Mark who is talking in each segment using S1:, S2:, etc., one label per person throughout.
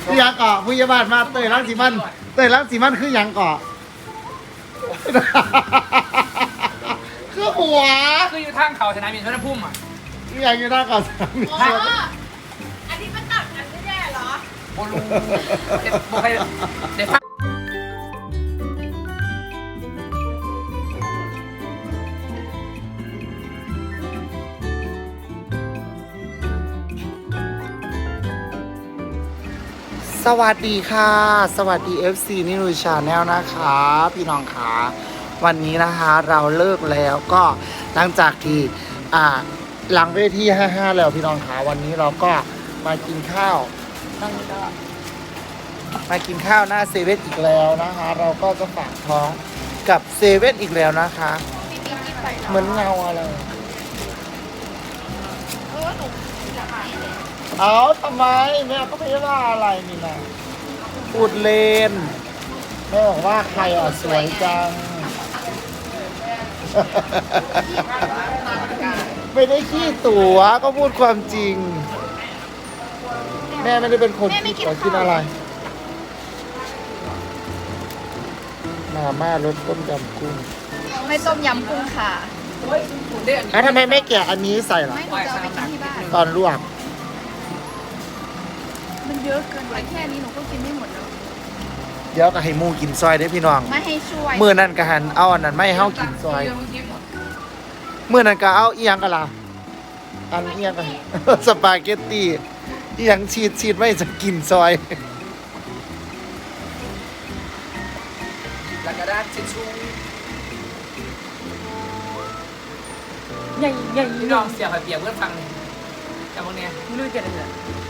S1: ยังเกาะพยาบาลมาเตยรังสีมันคือยังเกาะคือหัว
S2: คืออยู่ทางเขาชนะมีชนพุ่มอ่ะ
S1: ยังอยู่หน้าเกาะสนามบิน
S3: อันนี้มันตัดกันไม่ได้เหรอ
S2: โบลูเด็ดโบใครเด็ดฟัง
S1: สวัสดีค่ะ สวัสดี FC นิรุชาแนลนะคะพี่น้องขาวันนี้นะคะเราเลิกแล้วก็หลังจากที่หลังเวที55แล้วพี่น้องขาวันนี้เราก็มากินข้าวนั่งได้มากินข้าวหน้าเซเว่นอีกแล้วนะคะ เราก็จะฝากท้องกับเซเว่นอีกแล้วนะคะเหมือนเงาอะไรเอาทำไมแม่ก็ไม่ได้ว่าอะไรนี่นะพูดเล่นแม่บอกว่าใครสวยจัง ไม่ได้ขี้ตั๋วก็พูดความจริง แม่ไม่ได้เป็นคนขี้ตั๋วกินอะไรมาม่ารสต้มยำกุ้ง
S3: ไม่ต้มยำกุ้งค่ะ
S1: แล้วทำไมไม่แกะอันนี้ใส่ล่ะ
S3: ไม่หนูจะเอาไปกินที่บ้าน
S1: ตอนลวก
S3: มันเยอะเกินไปแค่นี้หนูก็กินไม่หมดแล้ว
S1: เดี๋ยวก็ให้หมูกินซอยได้อพี่น้อง
S3: ไม่ให้ช่วย
S1: มื้อนั้นก็หันเอาอันนั้นไม่ให้เฮากินซอย เมื่อนั้นก็เอาอีหยังกันล่ะอันอีหยังกัน สปาเกตตี้อีหยังชีดไม่จะกินซอย
S2: แล้วก็ได้ชิชชู
S3: ใหญ่ใหญ่
S2: พี่น้องเสียบเปียกเพื่อนฟังแต่พวกเนี้ย
S3: ไม่รู้จะอะไร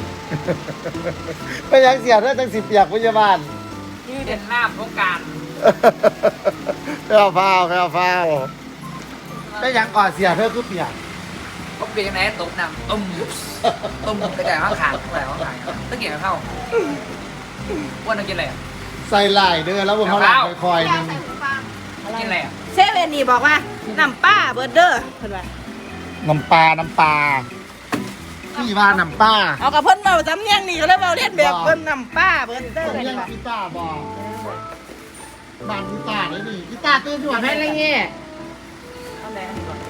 S1: ไปยังเสียได้ตั้ง10 เปียกพยาบาล
S2: เด่นหน้าโครงการ
S1: ไปเอาฟ้าวไปยังก่อนเสียเธอคือเปียก
S2: ก็เปียกไหนตบน้ำต้มกระจายข้างขางกระจายข้างขางต้องเกี่ยวกับเข้าว่าน้องกินอะไรอ่ะ
S1: ใส่ลายเด้อแล้วบนเขาหลังคอยๆนึง
S2: กินอะไรอ่ะ
S3: เซเว่นนี่บอกว่าน้ำป้าเบอร์เดอร์เห็นไหม
S1: น้ำปลาพี่ว่าน้ำปลา
S3: เอากับเพิ่นมาจำเนียงนี่ก็เลยมาเรียนแบบเพิ่นน้ำป้าเบอร์เดอร์
S1: ผม
S3: เลย
S1: ยัง
S3: ว่ะ
S1: กีตาร์บอกบ้านกีตาร์เลยนี่กีตาร์ตื่นด่วนให้อะไรเงี้ย
S3: เอาไหนอันนี้ก่อน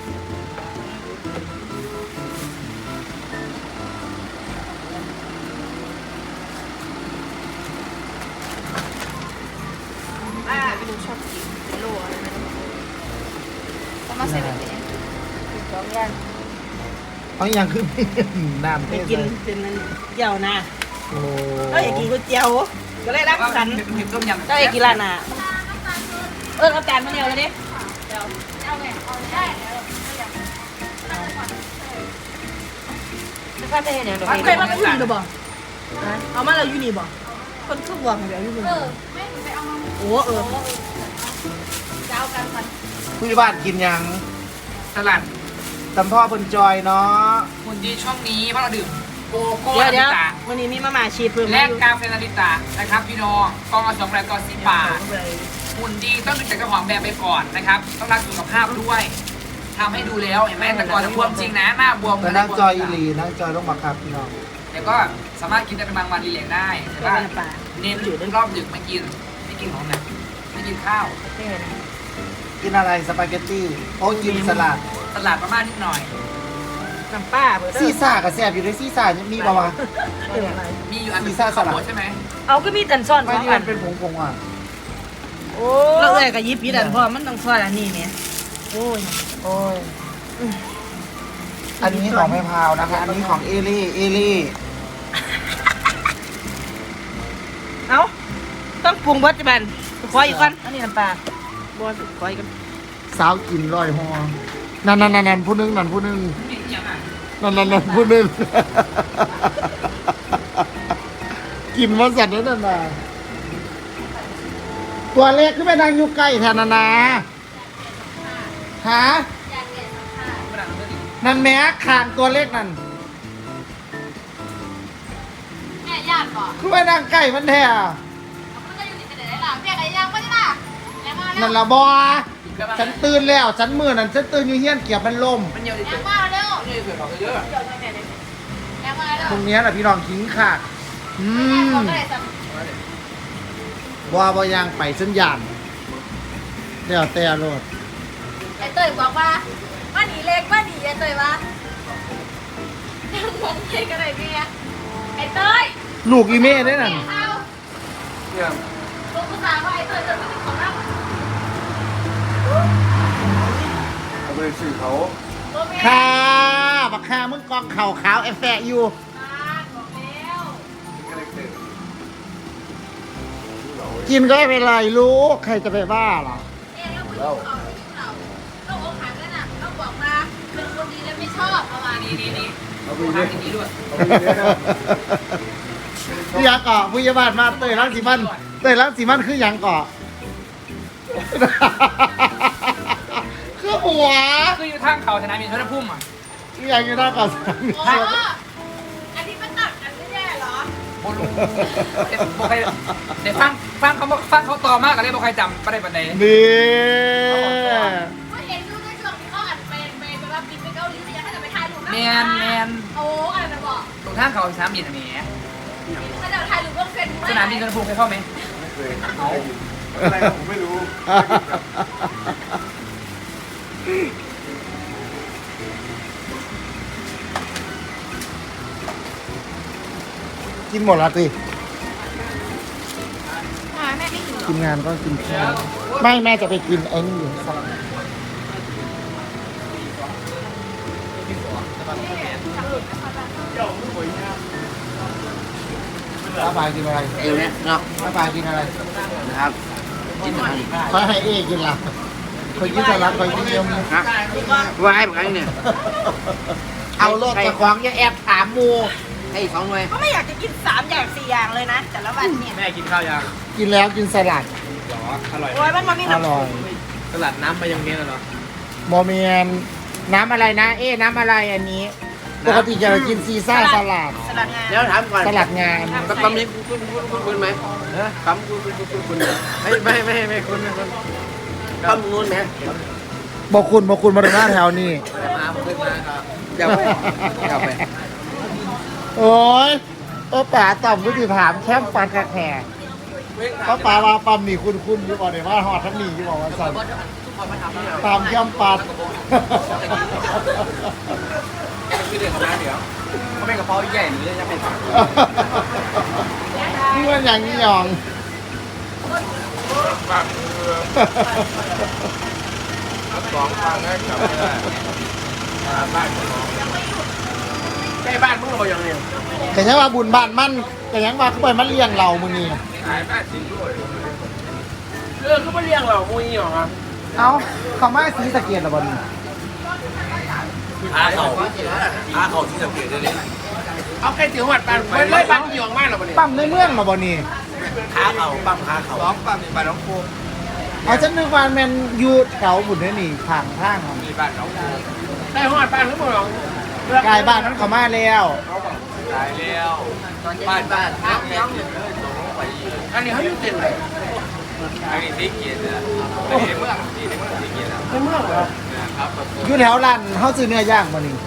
S3: ป้าไปดูชอบกินเป็นโลอะไรนะต้องมาเซเว่นเนี่ยสองอย่าง
S1: เขายังคือน้ำ
S3: ไป
S1: เท
S3: กินเป็นมันเกี่ยวนะ
S1: โอ้
S3: ก็อยากกินก๋วยเตี๋ยวก็เลยรักสัน
S2: ถึงต้มยำ
S3: ก็อยากกินร้านน่ะเอาจานมาเดียวเลยดิเคยมาอยู่นี่หรือเปล่าเอามาเราอยู่นี่บ่คนทุกวันเดี๋ยวอยู่นี่โอ้เจ้ากันมัน
S1: ผู้ใหญ่บ้านกินยัง
S2: สลัด
S1: ตำพ่อบนจอยเนาะ
S2: หุ่นดีช่วงนี้เพราะเราดื่มโกโก้
S3: เดี๋ยว
S2: นาริตะ
S3: วันนี้มีมาม่าชีสเพิ่ม
S2: และกาแฟนาริตะนะครับพี่น้องกองละ2แบบต่อ10 บาทหุ่นดีต้องดูจากเจ้าของแบรนด์ไปก่อนนะครับต้องรักสุขภาพด้วยทำให้ดูแล้วเห็นไหมแต่ก่อนจะบวมจริงนะหน้าบวม
S1: แต่นั่งจอยอีหลีนั่งจอยต้องบังคับพี่น้อง
S2: แต่ก็สามารถกินได้เป็นบางวันรีแลกซ์ได้แต่ว่าเน้นรอบดึกไม่กินของหนักไม่กินข้าว
S1: กินอะไรสปาเกตตี้โอ้กินสลัด
S2: ตลาดประมาณนิดหน่อย
S3: น้ำป้าเบอร์เดอ
S1: ซี
S3: ร์
S1: ซ่ากับแซ่บอยู่ในซีซ่ามีป่าวะ
S2: มีอยู่อัน
S1: พิซซ่าสลัด
S2: ใช่ไหม
S3: เอาก็มีแต่ซ่อน
S1: ไม่
S3: สอง
S1: ที่
S3: อั
S1: มัน นเป็นผงๆอ่ะ
S3: โอ้แล้วเอ้ยก็ยิบยี่ดันพ่อมันต้องซ่อนอันนี้เนี่ยโอ้ย
S1: โอ้ยอันนี้ของแม่พาวนะคะ อันนี้ของเอเล่
S3: เอาต้องปรุงเบิดจับันขออีกก่อนอันนี้น้ำปลาบัวขออีกก่อน
S1: สาวกินลอยหอนั่นผู้นึง
S2: มีอย่างอ่ะ
S1: นั่นผู้นึง กินมาสัตว์นั่นน่ะตัวเล็กขึ้นไปนั่งอยู่ใกล้แทนนะฮะนั่นแม่คางตัวเล็กนั่น
S4: แม่ญาติบอก
S1: ขึ้นไปนั่งใกล้มันแท้
S4: มันจะอยู่ในไหนล่ะแม่ไหนยังไม่ใช่ล่ะยังมาแล้ว
S1: นั่นละบอฉันตื่นแล้วฉันมือนั่นฉันตื่นอยู่เฮี้ยนเกียบมันล่ม
S2: มันเยอะดิ
S4: ยังมาเร็ว
S2: เยอะเกินเยอะ
S4: ยังมาแล้ว
S1: ตรงเนี้ยแหละพี่น้องทิ้งขาด
S4: บอกก็ได้จ้ะ
S1: บ่ยางไปสัญญาณเดี๋ยวแต่รถ
S4: ไอ้เต้ยบอกว่าว่าหนีเล็กว่าหนีไอ้เต้ยว่ายังมองเห็นกันเลยพี่ไอ้เต้ย
S1: ลูกอีเม่ได้นั่น
S4: เอาลูกผู้ชายว่าไอ้เต้ยจะเป็นของเรา
S5: เอาไปสื่อเขา
S4: ตัวเมีย
S1: ค่ะบักค่ามึงกองเข่าขาวแอฟแฟอยู่
S4: บอกแล้ว
S1: กินก็ไม่เป็นไรลูกใครจะไปบ้าหรอ
S4: เนี่ยแล้วผู้หญิงเอาผู้หญิงเราเราอกหักแล้วน่ะเราบอกมาเป็นคนดีแล้วไม่ชอบประมาณนี้
S2: นี่ดูทางอย่างนี้ด้วย
S5: เอาไปเยอะนะ
S1: พี่ยาเกาะผู้ยาบาลมาเตยรังสีมันเตยรังสีมันคือหยังเกาะ คือหัว
S2: คืออยู่ทางเขาสนามบินสุวรรณภูมิอ่ะ
S1: คือหยังอยู่หน้าเกาะสาม
S4: อ๋ออันนี้มันตัดกันไม่แย่เหรอ
S2: โบลูเดี๋ยวฟังเขาต่อมากกันเลยบอกใครจำประเด็นประเด็น
S1: นี่
S4: ก็เห็นรูปในช่วงที่เขาอัดเป็นแบบบินไปเกาหลีแต่ยังให้แต่ไปถ่ายรูปนะ
S2: แมน
S4: โอ้อะไรนะบอก
S2: ตรงทางเขาสนามบินอันนี้
S4: ถ้าเดี๋ยวถ่ายรูปก็เฟซบุ๊ก
S2: สนามบินสุวรรณภูมิเคยเข้าไหม
S5: ไม่เคยอะไรผมไม่รู้
S1: กินหมดละสิ
S4: แม่ไม่หิวหรอ
S1: กินงานก็กินข้าวไม่แม่จะไปกินไอ้นี่อยู่สักป้าปากินอะไร
S6: เดี๋ยวนี้เนาะ
S1: ป้าปากินอะไร
S6: นะครับกินอะไร
S1: คอยให้เอกินละคอยกินสลัดคอยกินเยี่ยม
S6: นะว่าให้เหมือนกันเนี่ย
S1: เอาโลดจะคว้างอย่าแอบถามมู
S6: ให้อีก2 หน่วย
S3: ก็ไม่อยากจะกิน3 อย่าง 4 อย่างเลยนะ แต่ละวันเนี่ย
S2: แม่กินข้าวยัง
S1: กินแล้วกินสลัด
S2: อร่อย
S3: โอ้ยมันมามี
S1: อ
S3: น้ำ
S1: ร่อย
S2: สลัดน้ำมายองเนสเหรอ
S1: โมเมียนน้ำอะไรนะ เอ๊ะน้ำอะไรอันนี้ ปกติจะกินซีซ่าสลัด
S3: สลัดงาน
S6: แล้วถามก่อน
S1: สลัดงาน
S6: ตำนี้คุณไหมตำคุณไม่คุณตำนู้นไหม
S1: บอกคุณมาดูหน้าแถวนี้
S6: มาขึ้นมาครับเดี๋ยวไป
S1: โอ้ยป๋าต่อมวิธีถามแคมปันแขกเพราะป๋าว่าปั๊มนี่คุณอยู่บอกเลยว่าหอดทั้งนี้อยู่บอกว่าสั่นตามแคมปัน
S2: คือเดือดของน้ำเดี๋ยวเขาเป็นกระเพราใหญ่หรือจะเป็น
S1: นี่มันอย่างนี้หยอง
S5: 2 ฟังให้กลับไม่ได้บ้านของน้อง
S6: ใกล้บ้านมึงเราอย่างนี้
S1: แต่ยังว่าบุญบ้านมันแต่ยังว่าเขาไปมันเลี้ยงเรามึงนี่
S5: ขายบ้านจริงด้วย
S6: เขาไม่เลี้ยงเรามุ้ยหรอครับ
S1: เอ้าเขาไม่สีสะเกียดหรอบอล
S6: หาเขาที่สังเกตได้เลยเอาแค่ถึงวัดบ้านไม่เลยบ้านที่อยู่มากหรอเนี่ย
S1: ปั๊มในเมืองหรอบอลนี่
S6: ขาเขาปั๊มขาเขา
S5: 2 ปั๊มนี่บ้านน้องโคม
S1: เอาฉันนึกว่าแมนอยูแถวบุญนี่นี่ทางทางของ
S5: มีบ้านน้องโคม
S6: ได้วัดบ้านทั้งหมดหรอก
S1: ายบ้านนั้นเขามาแล้ว
S5: ขายแล้ว
S6: บ้านอันนี้เขาอยู่เต็มเลย
S5: อันนี้ที่เกียรตินะในเมืองที่เกียรตินะ
S6: ในเมืองเหรอ
S5: ครับ
S1: อยู่แถวร้านเขาซื้อเนื้อย่างมานี่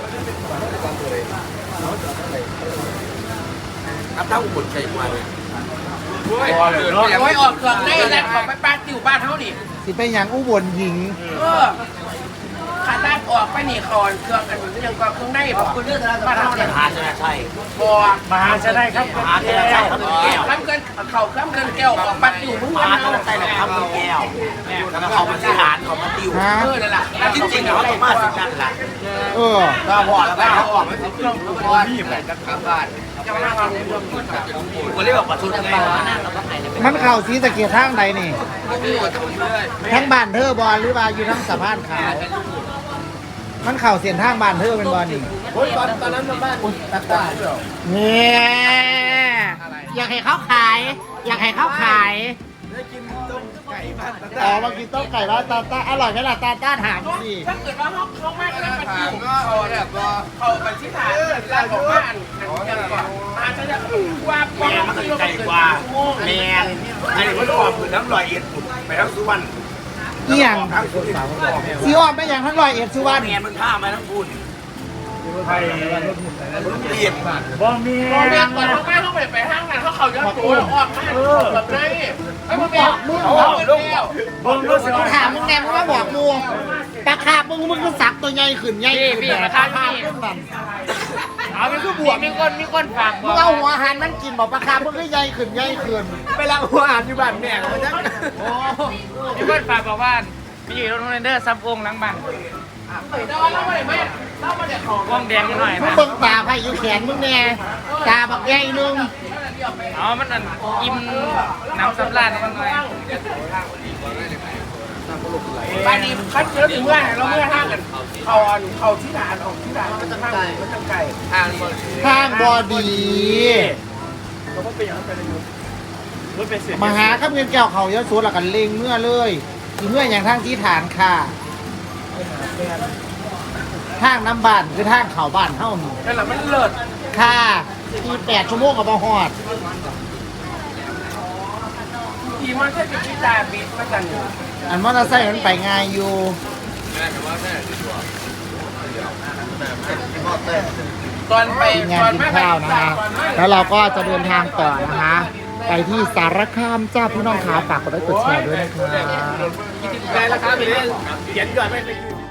S6: ครับถ้าอุบลใจกว่าเลย
S5: โอ้ย
S6: โอ้ยออกเครื่องได้แล้วของไปบ้านติวบ้านเขาดิ
S1: สิไปหยังอุบลหญิง
S6: ขาด้านออกไปนี่คอนเครื่องกันยังก็เครื่องได้บอกคุณเรื่องบ้านเขาเนี่ยมหาชนะชัยบัวมหาชนะครับมหาชนะชัยครับแก้วข้ามเกินเข่าข้ามเกินแก้วออกบ้านติวมึงมหาชนะชัยนะครับแก้วแล้วก็เขามาที่หารเขามาติวนั่นแหละจริงๆเขาต้องมาสินั่นแหละ
S1: เออ
S6: ก็พอแล้วก็เขาออกมาเครื่องบัวนี่แบบจะกลับบ้านจะมาทำเรื่องคนเรียกว่าประชุมไงเราก็ถ่ายใน
S1: มันเข่าสีสะเกียดทางใดนี่ทั้งบ้านเธอบอลหรือว่าอยู่ทั้งสะพานขาวมันเข่าเสียนทางบ้านเธอเป็นบอลนี่
S6: โอ้ยตอนนั้นบ้านตาตา
S1: เนี่ยอยากให้เขาขาย อยากให้เขาขายอ๋อมากินต้มไก่บ้านตาต้าอร่อยไหมล่ะตาต้าถามสิ
S6: ถ้าเกิดว่าเขามาก็ได้ประ
S5: ถา
S6: ติ
S5: ม
S6: ว
S5: ก็เอาแบบว่า
S6: เขาไปที่ฐานร้านของบ้านกันก่อนอาจจะจะว่าแม่มันไกลกว่าแม่อันนี้มันออกคือน้ำลอยเอ็ดไปทั้งสุวรรณ
S1: เอี่ยง
S6: ทั้งสุวรรณ
S1: ซีออมไม่อย่างทั้งร้อยเอ็ดสุวรรณ
S6: แม่มันข้ามาทั้งบุญ
S5: รีบ
S6: พอเมียก่อนเขาไม่ต้องไปห้างกันเขายอดตัวแล้วออกมาแบบไหนไอ้พวกเมียเอาลูกเบิ่งรู้สึก
S1: ถามมึงแน่มึงมาบอกมูปลาคาบมึงก็สักตัวใหญ่ขึ้นใหญ่ขึ้น
S2: พี่ราคาพี่เอาเป็นคือบวกมีคนฝากบ
S1: มึ
S2: อง ก
S1: เอาหัวอาหารมันกินบอกปลาคาบมึงก็ใหญ่ขึ้นใหญ่ขึ้น
S5: ไปล้างหัวอ่านอยู่บ้านแม่เขาจะ
S2: มีคนฝากบอกว่ามีอยู่โรงเรียนเดอร์ซับวงหลังบ้าน
S6: ดอนแล้วไม่แม่เล่ามาเด็กของ
S2: วงแดงนิดหน่อย
S1: มึง
S2: นะ
S1: เบิ่งตาไผ่อยู่แขนมึงแน่ตาบักใหญ่นึง
S2: อ๋อมันอันอิ่มน้ำสำราญนิดหน่อย
S6: บ้านนี้คัดเยอะถึงเมื่อเราเมื่อห้างกันเขาที่ด่านออกที่ด่านมันจะไก่มันจะไก่
S5: ทางบน
S1: ข้างบอดี
S6: เราก็เป็นอย่างนั้นไปเลยรถเป็นเสีย
S1: มาหาข้ามเงินแก้วเขาเยอะสุดละกันเล็งเมื่อเลยที่เมื่ออย่างทางที่ฐานค่ะทางน้ำบ้านคือทางเขาบ้านเท่านี้
S6: นั่นแหละมันเลิศ
S1: ค่ะที่8 ชั่วโมงกับบ่ฮอด
S6: ทีมันแค่จะพิจารบิดมากัน
S1: อันมอเตอร์ไซค์มันไปง่ายอยู่
S6: ตอนไป
S1: ทีมงานกินข้าวนะคะแล้วเราก็จะเดินทางต่อนะคะ ไปที่สารคามจ้าพี่น้องขาฝากกดไลค์กดแชร์ด้วยนะคะ
S5: ได้แล้วครับเขียนก่อนไม่